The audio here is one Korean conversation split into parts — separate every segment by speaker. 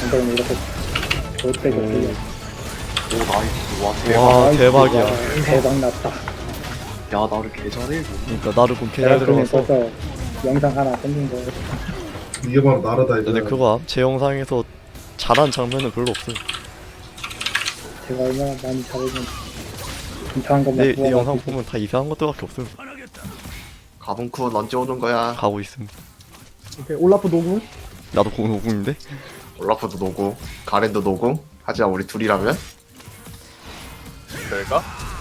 Speaker 1: 근데 이렇게 절대
Speaker 2: 오.
Speaker 1: 그
Speaker 3: 오 나이스 와 대박.
Speaker 2: 와 대박이야.
Speaker 1: 대박 났다.
Speaker 3: 야 나를 개 잘해 이거.
Speaker 2: 그러니까 나를 곰 개잘
Speaker 1: 내가 그냥
Speaker 2: 들어가서.
Speaker 1: 벌써 영상 하나 생긴 거.
Speaker 4: 이게 바로 나르다 이거.
Speaker 2: 근데 그거 제 영상에서 잘한 장면은 별로 없어요.
Speaker 1: 제가 얼마나 많이 잘해준 괜찮은 것만
Speaker 2: 내
Speaker 1: 구워가지고.
Speaker 2: 영상 보면 다 이상한 것들밖에 없어요.
Speaker 3: 가분쿤 언제 오는 거야?
Speaker 2: 가고 있습니다.
Speaker 1: 오케이, 올라프 노구.
Speaker 2: 나도 공인데
Speaker 3: 올라프도 노고 가렌도 노고. 하지만 우리 둘이라면?
Speaker 5: 내가?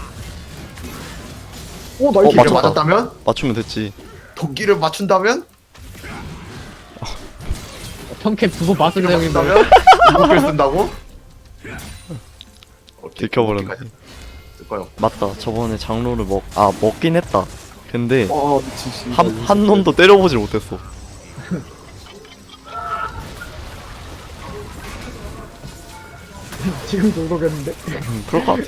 Speaker 1: 오
Speaker 2: 어,
Speaker 1: 나이스.
Speaker 2: 맞췄다.
Speaker 3: 맞았다면?
Speaker 2: 맞추면 됐지.
Speaker 3: 도끼를 맞춘다면?
Speaker 6: 평캔 두번 맞은 내용인데
Speaker 3: 맞춘다면? 이국을 쓴다고?
Speaker 2: 들켜버렸네.
Speaker 3: 쓸 거요.
Speaker 2: 맞다. 저번에 장로를 먹긴 했다. 근데
Speaker 3: 미친 씨.
Speaker 2: 한 놈도 때려보질 못했어.
Speaker 1: 지금도 모르겠는데.
Speaker 2: 그럴 것 같아.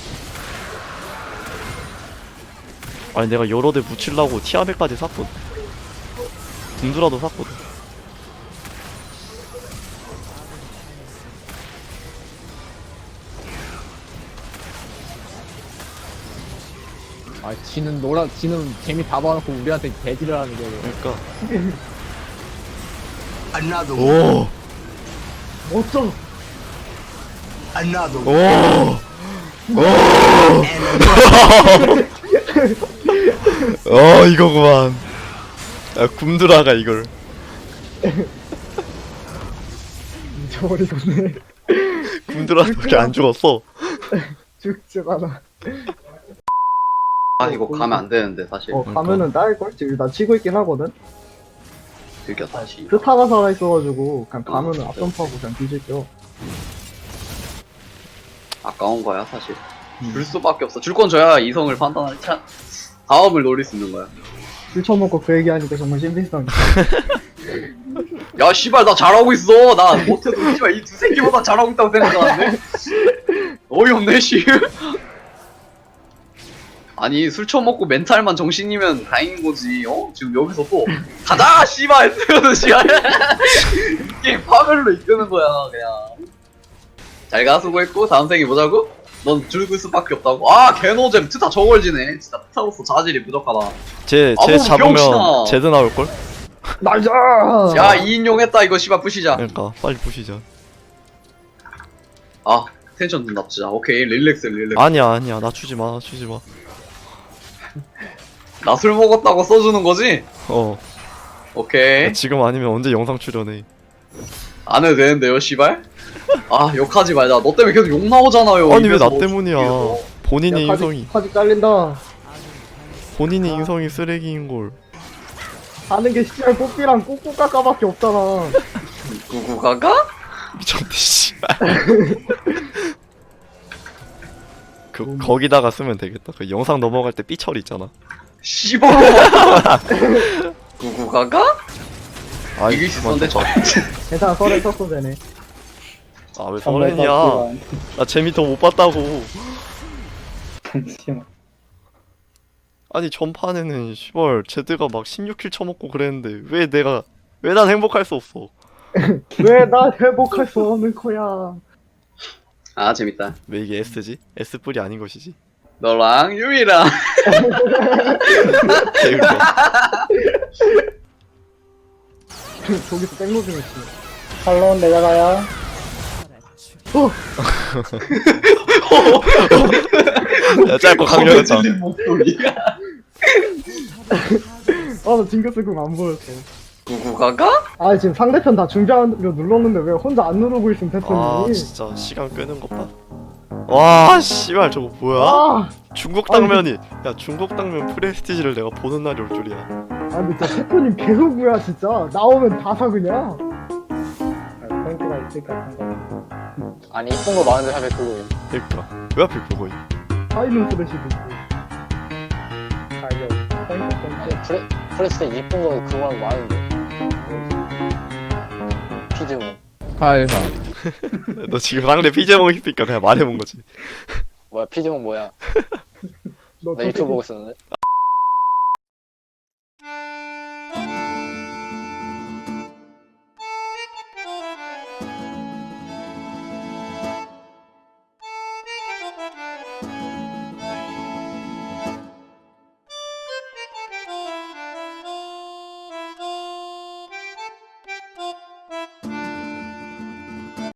Speaker 2: 아니 내가 여러 대 붙이려고 티아베까지 샀거든. 군두라도 샀거든.
Speaker 6: 아 지는 재미 다 봐놓고 우리한테 대지를 하는 게
Speaker 2: 그러니까. 오.
Speaker 1: 멋져.
Speaker 2: 오. 이거구만. 야, 굼드라가 이걸.
Speaker 1: 잊어버리겠네.
Speaker 2: 굼드라밖에 안 죽었어.
Speaker 1: 죽지 않아.
Speaker 7: 아 이거 가면 안 되는데 사실
Speaker 1: 가면은 딸걸? 지금 나 치고 있긴 하거든.
Speaker 7: 들겨 다시
Speaker 1: 스타가 살아 있어가지고 그냥 가면은 앞점프하고 그냥 뒤질게요.
Speaker 7: 아까운 거야 사실 줄 수밖에 없어 줄 건 줘야 이성을 판단할 다음을 노릴 수 있는 거야.
Speaker 1: 술 처먹고 그 얘기하니까 정말 신빙성.
Speaker 7: 야 씨발 나 잘하고 있어 나 못해도 씨발 이 두 새끼보다 잘하고 있다고 생각하는데 어이없네 씨. 아니 술 처먹고 멘탈만 정신이면 다행인 거지. 지금 여기서 또 가자 씨발 이러는 시간 게임 파멸로 이끄는 거야 그냥. 잘가 수고했고 다음 생에 보자고? 넌 줄글 수밖에 없다고? 아 개노잼 트타 저걸지네 진짜 트타로서 자질이 부족하다.
Speaker 2: 쟤
Speaker 7: 아무
Speaker 2: 잡으면
Speaker 7: 병신아.
Speaker 2: 제드 나올걸?
Speaker 1: 나이스!
Speaker 7: 야 2인용 했다 이거 씨발 부시자.
Speaker 2: 그러니까 빨리 부시자.
Speaker 7: 아 텐션 좀 낮추자. 오케이 릴렉스.
Speaker 2: 아니야 낮추지마.
Speaker 7: 나 술 먹었다고 써주는 거지? 오케이
Speaker 2: 지금 아니면 언제 영상 출연해.
Speaker 7: 안 해도 되는데요 씨발? 아 욕하지 말자. 너 때문에 계속 욕 나오잖아요.
Speaker 2: 아니 왜 나
Speaker 7: 입에서.
Speaker 2: 때문이야. 본인의 인성이
Speaker 1: 카드 잘린다.
Speaker 2: 본인의 인성이 쓰레기인걸.
Speaker 1: 하는 게 씨발 뽀삐랑 꼬꼬까까밖에 없잖아.
Speaker 7: 구구가가?
Speaker 2: 미쳤네 씨발. 거기다가 쓰면 되겠다. 그 영상 넘어갈 때 삐처리 있잖아.
Speaker 7: 씨발 구구가가?
Speaker 2: 아
Speaker 7: 이길 수 있었는데 저
Speaker 1: 괜찮아, 썰에 썼어 되네.
Speaker 2: 아왜 서른이야. 나 재미 더 못 봤다고.
Speaker 1: 잠시만.
Speaker 2: 아니 전판에는 시벌 제드가 막 16킬 쳐먹고 그랬는데 왜 난 행복할 수 없어.
Speaker 1: 왜 나 회복할 수 없는 거야?
Speaker 7: 아 재밌다.
Speaker 2: 왜 이게 S지? S뿔이 아닌 것이지.
Speaker 7: 너랑 유미랑
Speaker 2: 개웃겨.
Speaker 1: 저기서 백로딩 했지. 칼론 내가 가야.
Speaker 2: 야 짧고 강렬했다.
Speaker 7: 목소리가
Speaker 1: 나 징크스 궁안 보였어.
Speaker 7: 구구가가?
Speaker 1: 아 지금 상대편 다 준비하려 눌렀는데 왜 혼자 안 누르고 있음
Speaker 2: 아
Speaker 1: 패턴이.
Speaker 2: 진짜 시간 끄는 것 봐. 와 씨발 저거 뭐야?
Speaker 1: 아,
Speaker 2: 중국 당면이 야 중국 당면 프레스티지를 내가 보는 날이 올 줄이야.
Speaker 1: 근데 진짜 패턴이 개소구야 진짜. 나오면 다 사 그냥. 포인트가 있을까 생각.
Speaker 6: 아니 이쁜 거 많은데 하면 그거
Speaker 2: 그러니까 왜 하필 그거임?
Speaker 1: 타이밍 스레시도 있고. 가격 포인트.
Speaker 6: 프레스 때 이쁜 거 그거 많은데 피즈모 파일사
Speaker 2: 너 지금 상대 피제몽 있으니까 그냥 말해본 거지.
Speaker 6: 뭐야 피즈모 뭐야
Speaker 1: 너
Speaker 6: 나 유튜브 보고 있었는데